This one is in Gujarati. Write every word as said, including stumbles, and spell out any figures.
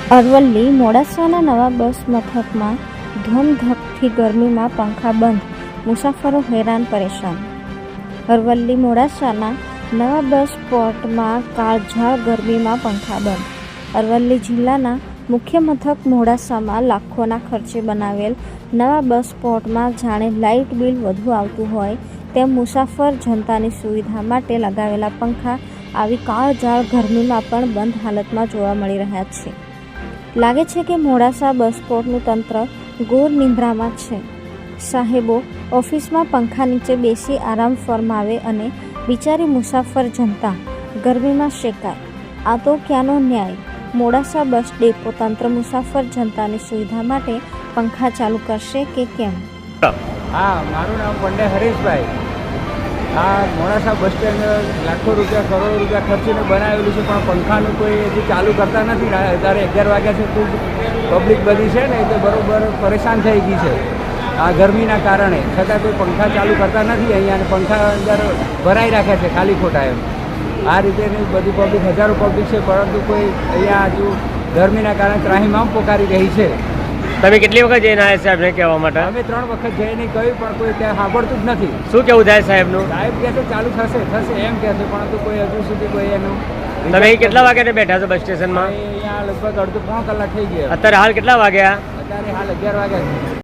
અરવલ્લી મોડાસાના નવા બસ મથકમાં ધોમધકતી ગરમીમાં પંખા બંધ, મુસાફરો હેરાન પરેશાન. અરવલ્લી મોડાસાના નવા બસ સ્પોટમાં કાળઝાળ ગરમીમાં પંખા બંધ. અરવલ્લી જિલ્લાના મુખ્ય મથક મોડાસામાં લાખોના ખર્ચે બનાવેલ નવા બસ સ્પોટમાં જાણે લાઇટ બિલ વધુ આવતું હોય તેમ મુસાફર જનતાની સુવિધા માટે લગાવેલા પંખા આવી કાળઝાળ ગરમીમાં પણ બંધ હાલતમાં જોવા મળી રહ્યા છે. લાગે છે કે મોડાસા બસ સ્પોટનું તંત્ર ઘોર નિંદ્રામાં છે. સાહેબો ઓફિસમાં પંખા નીચે બેસી આરામ ફરમાવે અને બિચારી મુસાફર જનતા ગરમીમાં શેકાય. આ તો ક્યાંનો ન્યાય? મોડાસા બસ ડેપો તંત્ર મુસાફર જનતાની સુવિધા માટે પંખા ચાલુ કરશે કે કેમ? હા, મારું નામ પંડ્યા હરેશભાઈ. આ મોડાસા બસ સ્ટેન્ડ લાખો રૂપિયા કરોડો રૂપિયા ખર્ચીને બનાવેલું છે, પણ પંખાનું કોઈ હજી ચાલુ કરતા નથી. અત્યારે અગિયાર વાગ્યા છે, ખૂબ પબ્લિક બધી છે ને એટલે બરાબર પરેશાન થઈ ગઈ છે આ ગરમીના કારણે. છતાં કોઈ પંખા ચાલુ કરતા નથી અહીંયા, અને પંખા અંદર ભરાઈ રાખ્યા છે ખાલી ખોટા એમ. આ રીતેની બધી પબ્લિક, હજારો પબ્લિક છે, પરંતુ કોઈ અહીંયા હજુ ગરમીના કારણે ત્રાહીમામ પોકારી રહી છે. તમે કેટલી વખત જઈને આવ્યા સાહેબને કહેવા માટે? અમે ત્રણ વખત જઈને કહ્યું, પણ કોઈ ત્યાં સાંભળતું જ નથી. શું કેવું થાય સાહેબનું? સાહેબ કહે છે ચાલુ થશે થશે એમ કહે છે, પરંતુ કોઈ હજુ સુધી કોઈ એનું. તમે કેટલા વાગ્યાને બેઠા છો બસ સ્ટેશનમાં? અહીંયા લગભગ અડધો પોણો કલાક થઈ ગયા. અત્યારે હાલ કેટલા વાગ્યા? અત્યારે હાલ અગિયાર વાગ્યા છે.